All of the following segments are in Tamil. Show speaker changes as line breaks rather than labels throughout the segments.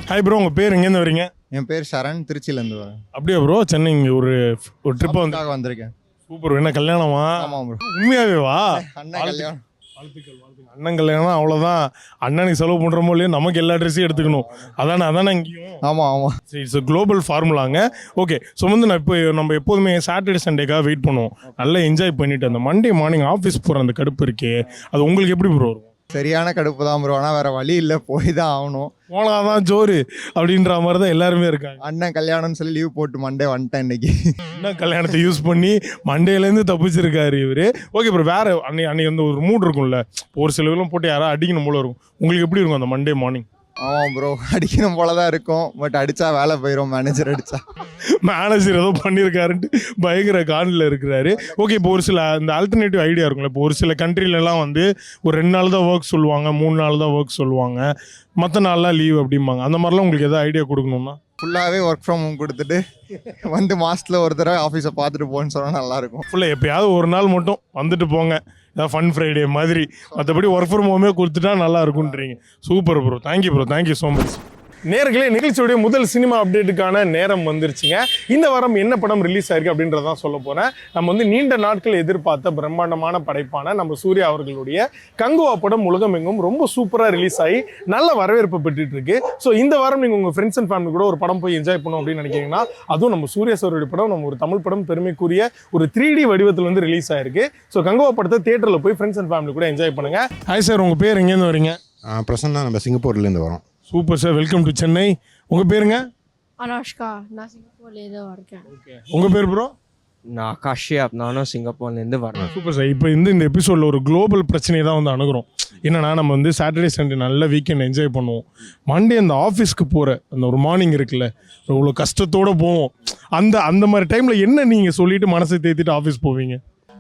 ஹாய் ப்ரோ, உங்கள் பேர் எங்கேருந்து வரீங்க?
என் பேர் சரண், திருச்சியிலேருந்து வரேன்.
அப்படியே ப்ரோ, சென்னை இங்கே ஒரு ட்ரிப்பாக
வந்திருக்கேன்.
சூப்பர். என்ன கல்யாணமா?
ஆமாம் ப்ரோ.
உண்மையாவே வா?
அண்ணன் கல்யாணம்.
வாழ்த்துக்கள். அண்ணன் கல்யாணம் அவ்வளோதான். அண்ணனுக்கு செலவு பண்ணுறமோ இல்லையோ நமக்கு எல்லா ட்ரெஸ்ஸையும் எடுத்துக்கணும். அதானே இங்கேயும்.
ஆமாம்.
சரி, இட்ஸ் குளோபல் ஃபார்முலாங்க. ஓகே, ஸோ வந்து நான் இப்போ நம்ம எப்போதுமே சாட்டர்டே சண்டேக்காக வெயிட் பண்ணுவோம். நல்லா என்ஜாய் பண்ணிட்டு அந்த மண்டே மார்னிங் ஆஃபீஸ் போகிற அந்த கடுப்பு இருக்கே, அது உங்களுக்கு எப்படி ப்ரோ இருக்கும்?
சரியான கடுப்பு தான் ப்ரோ. ஆனால் வேறு வழி இல்லை, போய் தான் ஆகணும்.
போனாதான் ஜோறு அப்படின்ற மாதிரி தான் எல்லாருமே இருக்காங்க.
அண்ணன் கல்யாணம்னு சொல்லி லீவ் போட்டு மண்டே வந்துட்டேன் இன்னைக்கு.
அண்ணன் கல்யாணத்தை யூஸ் பண்ணி மண்டேலேருந்து தப்பிச்சிருக்காரு இவர். ஓகே ப்ரோ, வேறு அன்னைக்கு வந்து ஒரு மூட் இருக்கும்ல, ஒரு சிலவெல்லாம் போட்டு யாராவது அடிக்கணும் போல இருக்கும். உங்களுக்கு எப்படி இருக்கும் அந்த மண்டே மார்னிங்?
ஆமாம் ப்ரோ, அடிக்கணும் போல தான் இருக்கும். பட் அடித்தா வேலை போயிடும். மேனேஜர் அடித்தா.
மேனேஜர் ஏதோ பண்ணியிருக்காருன்ட்டு பயங்கர காண்டில் இருக்கிறாரு. ஓகே, இப்போ ஒரு சில இந்த ஆல்டர்னேட்டிவ் ஐடியா இருக்கும்ல. இப்போ ஒரு சில கண்ட்ரிலலாம் வந்து ஒரு 2 நாள் தான் ஒர்க் சொல்லுவாங்க, 3 நாள் தான் ஒர்க் சொல்லுவாங்க, மற்ற நாள்லாம் லீவ் அப்படிம்பாங்க. அந்த மாதிரிலாம் உங்களுக்கு எதாவது ஐடியா கொடுக்கணும்னா?
ஃபுல்லாகவே ஒர்க் ஃப்ரம் ஹோம் கொடுத்துட்டு வந்து மாதத்தில் ஒரு தடவை ஆஃபீஸை பார்த்துட்டு போகணுன்னு சொன்னால் நல்லாயிருக்கும்.
ஃபுல்லாக எப்போயாவது ஒரு நாள் மட்டும் வந்துட்டு போங்க, ஏதாவது ஃபன் ஃப்ரைடே மாதிரி. மற்றபடி ஒர்க் ஃப்ரம் ஹோமே கொடுத்துட்டா நல்லா இருக்குன்றீங்க. Super bro, thank you bro, thank you so much. நேர்களே, நிகழ்ச்சியுடைய முதல் சினிமா அப்டேட்டுக்கான நேரம் வந்துருச்சுங்க. இந்த வாரம் என்ன படம் ரிலீஸ் ஆயிருக்கு அப்படின்றதான் சொல்ல போகிறேன். நம்ம வந்து நீண்ட நாட்கள் எதிர்பார்த்த பிரம்மாண்டமான படைப்பான நம்ம சூர்யா அவர்களுடைய கங்குவா படம் உலகமெங்கும் ரொம்ப சூப்பராக ரிலீஸ் ஆகி நல்ல வரவேற்பு பெற்றுட்டு இருக்கு. ஸோ இந்த வாரம் நீங்கள் உங்கள் ஃப்ரெண்ட்ஸ் அண்ட் ஃபேமிலி கூட ஒரு படம் போய் என்ஜாய் பண்ணணும் அப்படின்னு நினைக்கிறீங்கன்னா, அதுவும் நம்ம சூர்யா சாருடைய படம், நம்ம ஒரு தமிழ் படம், பெருமைக்குரிய ஒரு 3D வடிவத்தில் வந்து ரிலீஸ் ஆயிருக்கு. ஸோ கங்குவா படத்தை தியேட்டரில் போய் ஃப்ரெண்ட்ஸ் அண்ட் ஃபேமிலி கூட என்ஜாய் பண்ணுங்க. ஹாய் சார், உங்கள் பேர் எங்கேருந்து வரீங்க?
பிரசன்னா, நம்ம சிங்கப்பூர்லேருந்து வரோம்.
Super sir, welcome to Chennai. உங்கள் பேருங்க?
அனுஷ்கா, நான் சிங்கப்பூர்லேருந்து வரேன்.
ஓகே, உங்கள் பேர் ப்ரோ?
நான் காஷ்யப், நானும் சிங்கப்பூர்லேருந்து வரேன்.
Super sir. இப்போ இந்த எபிசோடில் ஒரு குளோபல் பிரச்சனையை தான் வந்து அணுகிறோம். என்னன்னா, நம்ம வந்து சாட்டர்டே சண்டே நல்ல வீக்கெண்ட் என்ஜாய் பண்ணுவோம். மண்டே அந்த ஆஃபீஸ்க்கு போகிற அந்த ஒரு மார்னிங் இருக்குல்ல, இவ்வளோ கஷ்டத்தோடு போவோம். அந்த மாதிரி டைமில் என்ன நீங்கள் சொல்லிவிட்டு மனசை தேத்திட்டு ஆஃபீஸ் போவீங்க?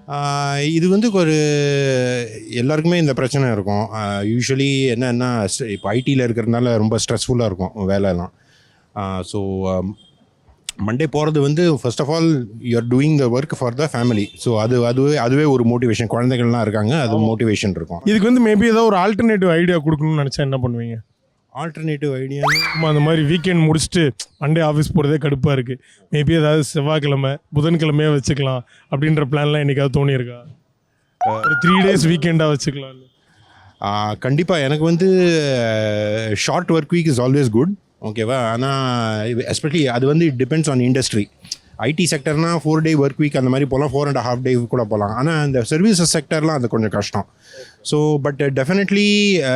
இது வந்து ஒரு எல்லாருக்குமே இந்த பிரச்சனை இருக்கும். யூஸ்வலி என்னென்னா, இப்போ ஐடியில் இருக்கிறதுனால ரொம்ப ஸ்ட்ரெஸ்ஃபுல்லாக இருக்கும் வேலையெல்லாம். ஸோ மண்டே போகிறது வந்து first of all you are doing the work for the family. So அதுவே ஒரு மோட்டிவேஷன். குழந்தைகள்லாம் இருக்காங்க, அது மோட்டிவேஷன் இருக்கும்.
இதுக்கு வந்து மேபி ஏதாவது ஒரு ஆல்டர்னேட்டிவ் ஐடியா கொடுக்கணும்னு நினச்சா என்ன பண்ணுவீங்க?
ஆல்டர்னேட்டிவ் ஐடியா
அந்த மாதிரி வீக்கெண்ட் முடிச்சுட்டு மண்டே ஆஃபீஸ் போகிறதே கடுப்பாக இருக்குது, மேபி ஏதாவது செவ்வாய்க்கிழமை புதன்கிழமையாக வச்சுக்கலாம் அப்படின்ற பிளான்லாம் என்னைக்காவது தோணியிருக்கா? ஒரு 3 days வீக்கெண்டாக வச்சுக்கலாம்.
கண்டிப்பாக எனக்கு வந்து short work week is always good, ஓகேவா? ஆனால் எஸ்பெஷலி அது வந்து it depends on industry. IT செக்டர்னால் 4 day ஒர்க் வீக் அந்த மாதிரி போகலாம், 4.5 day கூட போகலாம். ஆனால் இந்த சர்வீசஸ் செக்டர்லாம் அது கொஞ்சம் கஷ்டம். So but definitely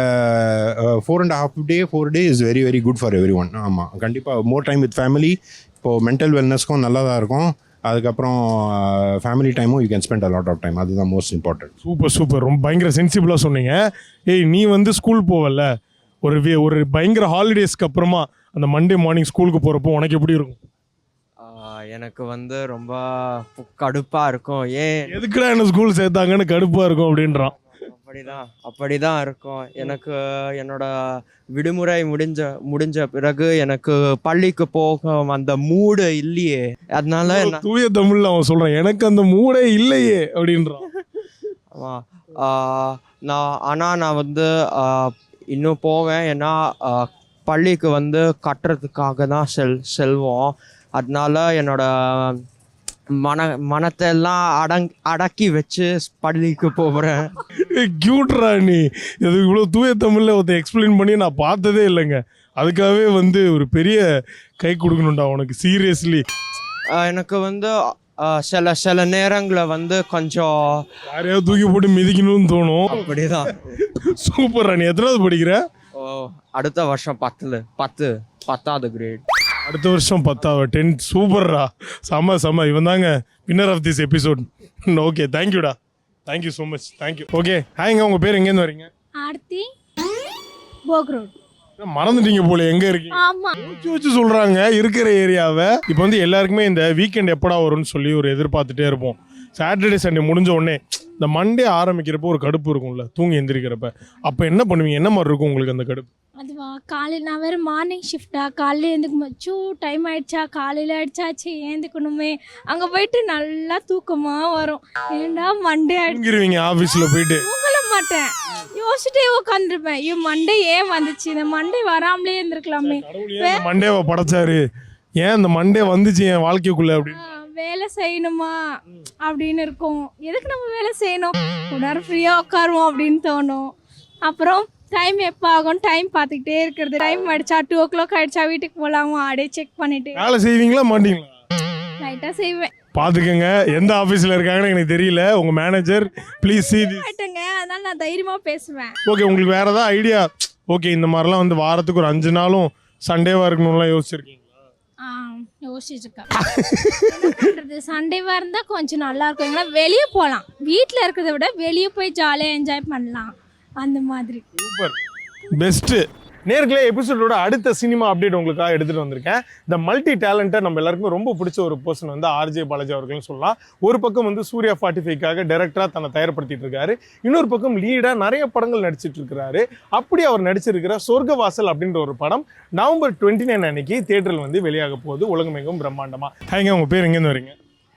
4.5 day is very very good for everyone. ஆமாம், கண்டிப்பாக மோர் டைம் வித் ஃபேமிலி. இப்போது மென்டல் வெல்னஸ்க்கும் நல்லா தான் இருக்கும். அதுக்கப்புறம் ஃபேமிலி டைமும் you can spend a lot of time. அதுதான் மோஸ்ட் இம்பார்ட்டன்ட்.
சூப்பர், ரொம்ப பயங்கர சென்சிபிளாக சொன்னீங்க. நீ வந்து ஸ்கூல் போவல, ஒரு பயங்கர ஹாலிடேஸ்க்கு அப்புறமா அந்த மண்டே மார்னிங் ஸ்கூலுக்கு போகிறப்போ உனக்கு எப்படி இருக்கும்?
எனக்கு வந்து ரொம்ப கடுப்பாக இருக்கும்.
எதுக்குடா என்ன ஸ்கூல் சேர்த்தாங்கன்னு கடுப்பாக இருக்கும் அப்படின்றான்.
அப்படிதான் இருக்கும். எனக்கு என்னோட விடுமுறை முடிஞ்ச பிறகு எனக்கு பள்ளிக்கு போக அந்த மூடு இல்லையே. அதனால
தூய தமிழ்ல அவன் சொல்றான், எனக்கு அந்த மூடே இல்லையே அப்படின்றான்.
நான் வந்து இன்னும் போவேன். ஏன்னா பள்ளிக்கு வந்து கட்டுறதுக்காக தான் செல்வோம். அதனால என்னோட மனத்தை எல்லாம் அடக்கி வச்சு பள்ளிக்கு போகிறேன்.
கியூட்ரா நீ. இது இவ்வளோ தூய தமிழில் ஒருத்தர் எக்ஸ்பிளைன் பண்ணி நான் பார்த்ததே இல்லைங்க. அதுக்காகவே வந்து ஒரு பெரிய கை கொடுக்கணும்டா உனக்கு, சீரியஸ்லி.
எனக்கு வந்து சில நேரங்களில் வந்து கொஞ்சம்
யாரையாவது தூக்கி போட்டு மிதிக்கணும்னு தோணும்.
அப்படிதான்.
சூப்பர்ரா. நீ எத்தனாவது படிக்கிற?
அடுத்த வருஷம் 10th கிரேட்.
அடுத்த வருஷம் 10th. சூப்பர்ரா, செம. இவன் தாங்க winner of this episode. Okay, தேங்க்யூடா, thank you so much, thank you. Okay, ஹாய்ங்க, உங்கள் பேர் எங்கேருந்து வரீங்க?
ஆர்த்தி, போக் ரோட்.
மறந்துட்டீங்க போல, எங்க இருக்கீங்க?
ஆமா,
வச்சு சொல்றாங்க இருக்கிற ஏரியாவை. இப்போ வந்து எல்லாருக்குமே இந்த வீக்கெண்ட் எப்படா வரும்னு சொல்லி ஒரு எதிர்பார்த்துட்டே இருப்போம். சாட்டர்டே சண்டே முடிஞ்ச உடனே இந்த மண்டே ஆரம்பிக்கிறப்போ ஒரு கடுப்பு இருக்கும்ல தூங்கி எந்திரிக்கிறப்ப, அப்போ என்ன பண்ணுவீங்க? என்ன மாதிரி இருக்கும் உங்களுக்கு அந்த கடுப்பு?
அதுவா, காலையில் நான் வேறு மார்னிங் ஷிஃப்டா, காலையில் எழுந்துக்கும்போது டைம் ஆயிடுச்சா, காலையில் ஆயிடுச்சாச்சு ஏந்துக்கணுமே, அங்கே போயிட்டு நல்லா தூக்கமாக வரும். ஏண்டா மண்டே ஆயிடுச்சு
தூங்கிடுவீங்க ஆஃபீஸில் போயிட்டு?
தூங்கல மாட்டேன், யோசிச்சுட்டே உட்காந்துருப்பேன். ஐயோ மண்டே ஏன் வந்துச்சு, இந்த மண்டே வராமலே இருந்திருக்கலாமே,
மண்டேவை படைச்சாரு, ஏன் இந்த மண்டே வந்துச்சு என் வாழ்க்கைக்குள்ள அப்படின்னு.
வேலை செய்யணுமா அப்படின்னு இருக்கும். எதுக்கு நம்ம வேலை செய்யணும், ஒரு நேரம் ஃப்ரீயாக உட்காருவோம் அப்படின்னு தோணும். அப்புறம் டைம் எப்போ ஆகும் டைம் பார்த்துக்கிட்டே இருக்கிறது. டைம் ஆயிடுச்சா 2 o'clock ஆயிடுச்சா வீட்டுக்கு போகலாமா அப்படியே செக் பண்ணிட்டு
வேலை செய்வீங்களா மாட்டீங்களா?
லைட்டாக செய்வேன்.
பார்த்துக்கங்க, எந்த ஆஃபீஸில் இருக்காங்கன்னு எனக்கு தெரியல, உங்கள் மேனேஜர் ப்ளீஸ் see this.
ஆயிட்டேங்க, அதனால நான் தைரியமாக பேசுவேன்.
ஓகே, உங்களுக்கு வேறு ஏதாவது ஐடியா? ஓகே, இந்த மாதிரிலாம் வந்து வாரத்துக்கு ஒரு 5 நாளும் சண்டேவாக இருக்கணும்லாம் யோசிச்சிருக்கீங்களா?
யோசிச்சுருக்கேன். என்ன பண்ணுறது, சண்டேவாக இருந்தால் கொஞ்சம் நல்லா இருக்கும். எங்கன்னா வெளியே போகலாம், வீட்டில் இருக்கிறத விட வெளியே போய் ஜாலியாக என்ஜாய் பண்ணலாம், அந்த மாதிரி.
Super, best. நேர்களே, எபிசோடோட அடுத்த சினிமா அப்டேட் உங்களுக்காக எடுத்துகிட்டு வந்திருக்கேன். இந்த மல்டி டேலண்ட்டை நம்ம எல்லாருக்குமே ரொம்ப பிடிச்ச ஒரு பர்சன் வந்து ஆர்ஜே பாலாஜி அவர்கள்னு சொல்லலாம். ஒரு பக்கம் வந்து சூர்யா 45க்காக டைரக்டராக தன்னை தயார்படுத்திட்டு இருக்காரு, இன்னொரு பக்கம் லீடாக நிறைய படங்கள் நடிச்சிட்டு இருக்கிறாரு. அப்படி அவர் நடிச்சிருக்கிற சொர்க்கவாசல் அப்படின்ற ஒரு படம் நவம்பர் 29 அன்னைக்கு தியேட்டரில் வந்து வெளியாக போகுது, உலகமெங்கும் பிரம்மாண்டமாக. ஹேங்க, உங்கள் பேர் எங்கேருந்து வரீங்க?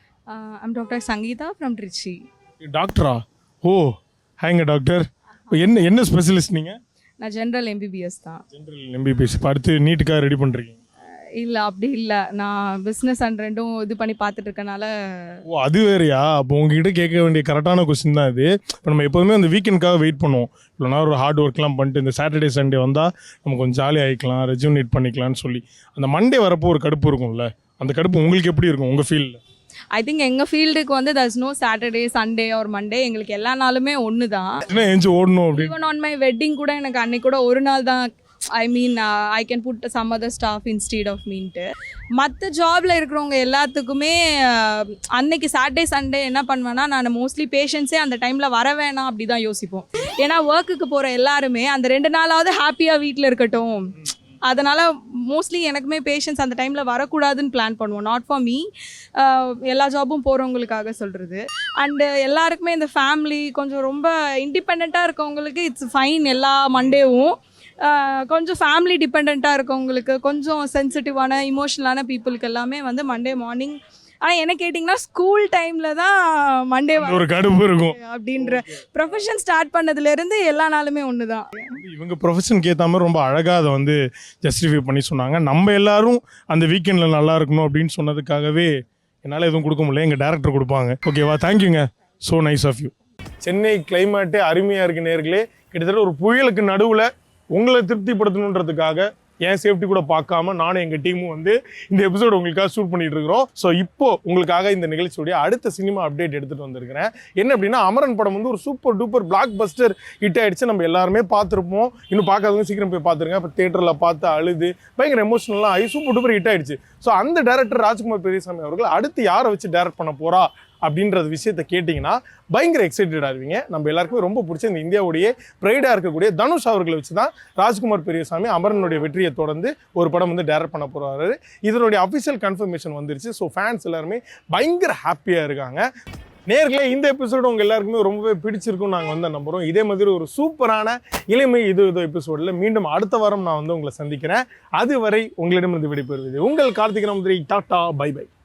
I'm Dr. Sangeeta from Trichy.
டாக்டரா? ஓ, ஹேங்க டாக்டர். என்ன ஸ்பெஷலிஸ்ட் நீங்கள்?
நான் ஜென்ரல் MBBS தான்.
General MBBS. இப்போ அடுத்து நீட்டுக்காக ரெடி பண்ணுறீங்க?
இல்லை அப்படி இல்லை, நான் பிஸ்னஸ் அண்ட் ரெண்டும் இது பண்ணி பார்த்துட்டு இருக்கனால.
ஓ, அது வேறையா? அப்போ உங்ககிட்ட கேட்க வேண்டிய கரெக்டான கொஸ்டின் தான் இது. இப்போ நம்ம எப்போதுமே அந்த வீக்கெண்டுக்காக வெயிட் பண்ணுவோம், இல்லைனா ஒரு ஹார்ட் ஒர்க்லாம் பண்ணிட்டு இந்த சாட்டர்டே சண்டே வந்தால் நம்ம கொஞ்சம் ஜாலியாக ஆகிக்கலாம், ரெஜுனேட் பண்ணிக்கலாம்னு சொல்லி. அந்த மண்டே வரப்போ ஒரு கடுப்பு இருக்கும்ல, அந்த கடுப்பு உங்களுக்கு எப்படி இருக்கும் உங்கள் ஃபீல்டில்?
ஐ திங்க் எங்கள் ஃபீல்டுக்கு வந்து there's no Saturday Sunday or Monday, எங்களுக்கு எல்லா நாளுமே ஒன்று தான்.
எஞ்சி ஓடணும் அப்படின்னு.
ஈவன் ஆன் மை வெட்டிங் கூட எனக்கு அன்னைக்கு கூட ஒரு நாள் தான், I mean I can put some other staff instead of meant. மற்ற ஜாபில் இருக்கிறவங்க எல்லாத்துக்குமே அன்னைக்கு சாட்டர்டே சண்டே என்ன பண்ணுவேன்னா, நான் மோஸ்ட்லி பேஷண்ட்ஸே அந்த டைமில் வர வேணாம் அப்படி தான் யோசிப்போம். ஏன்னா ஒர்க்குக்கு போகிற எல்லாருமே அந்த 2 நாளாவது ஹாப்பியாக வீட்டில் இருக்கட்டும், அதனால் மோஸ்ட்லி எனக்குமே பேஷண்ட்ஸ் அந்த டைமில் வரக்கூடாதுன்னு பிளான் பண்ணுவோம். நாட் ஃபார் மீ, எல்லா ஜாபும் போகிறவங்களுக்காக சொல்கிறது. அண்டு எல்லாருக்குமே இந்த ஃபேமிலி கொஞ்சம் ரொம்ப இண்டிபெண்ட்டாக இருக்கவங்களுக்கு இட்ஸ் ஃபைன் எல்லா மண்டேவும். கொஞ்சம் ஃபேமிலி டிபெண்ட்டாக இருக்கவங்களுக்கு, கொஞ்சம் சென்சிட்டிவான இமோஷனலான பீப்புளுக்கு எல்லாமே வந்து மண்டே மார்னிங். ஆனால் என்ன கேட்டிங்கன்னா, ஸ்கூல் டைமில் தான் மண்டே
ஒரு கடுப்பு இருக்கும்.
அப்படின்ற ப்ரொஃபஷன் ஸ்டார்ட் பண்ணதுலேருந்து எல்லா நாளுமே ஒன்று தான்.
இவங்க ப்ரொஃபஷனுக்கு ஏற்ற மாதிரி ரொம்ப அழகாக அதை வந்து ஜஸ்டிஃபை பண்ணி சொன்னாங்க. நம்ம எல்லாரும் அந்த வீக்கெண்டில் நல்லா இருக்கணும் அப்படின்னு சொன்னதுக்காகவே என்னால் எதுவும் கொடுக்க முடியல, எங்கள் டேரக்டர் கொடுப்பாங்க. ஓகேவா, தேங்க்யூங்க, so nice of you. Chennai கிளைமேட்டே அருமையாக இருக்கு நேர்களே. கிட்டத்தட்ட ஒரு புயலுக்கு நடுவில் உங்களை திருப்திப்படுத்தணுன்றதுக்காக என் சேஃப்டி கூட பார்க்காம நானும் எங்கள் டீமும் வந்து இந்த எபிசோடு உங்களுக்காக ஷூட் பண்ணிட்டு இருக்கிறோம். ஸோ இப்போ உங்களுக்காக இந்த நிகழ்ச்சியுடைய அடுத்த சினிமா அப்டேட் எடுத்துகிட்டு வந்திருக்கிறேன். என்ன அப்படின்னா, அமரன் படம் வந்து ஒரு super duper blockbuster hit ஆகிடுச்சு. நம்ம எல்லாருமே பார்த்துருப்போம், இன்னும் பார்க்காதவங்க சீக்கிரம் போய் பார்த்துருங்க. இப்போ தேட்டரில் பார்த்து அழுது பயங்கர எமோஷனலாக ஆகி சூப்பர் டூப்பர் ஹிட் ஆகிடுச்சு. ஸோ அந்த டேரக்டர் ராஜ்குமார் பெரியசாமி அவர்கள் அடுத்து யாரை வச்சு டேரக்ட் பண்ண போகிறா அப்படின்றது விஷயத்தை கேட்டிங்கன்னா பயங்கர எக்ஸைட்டடாக இருவீங்க. நம்ம எல்லாருக்குமே ரொம்ப பிடிச்ச இந்த இந்தியாவுடைய ப்ரைடாக இருக்கக்கூடிய தனுஷ் அவர்களை வச்சு தான் ராஜ்குமார் பெரியசாமி அமரனுடைய வெற்றியை தொடர்ந்து ஒரு படம் வந்து டேரக்ட் பண்ண போகிறாரு. இதனுடைய அஃபிஷியல் கன்ஃபர்மேஷன் வந்துருச்சு. ஸோ ஃபேன்ஸ் எல்லாருமே பயங்கர ஹாப்பியாக இருக்காங்க. நேர்களே, இந்த எபிசோடு உங்கள் எல்லாருக்குமே ரொம்பவே பிடிச்சிருக்கும்னு நாங்கள் வந்து நம்புகிறோம். இதே மாதிரி ஒரு சூப்பரான இளமை இது எபிசோடில் மீண்டும் அடுத்த வாரம் நான் வந்து உங்களை சந்திக்கிறேன். அதுவரை உங்களிடமிருந்து விடைபெறுவது உங்கள் Karthik Namboothiri. Tata, bye by.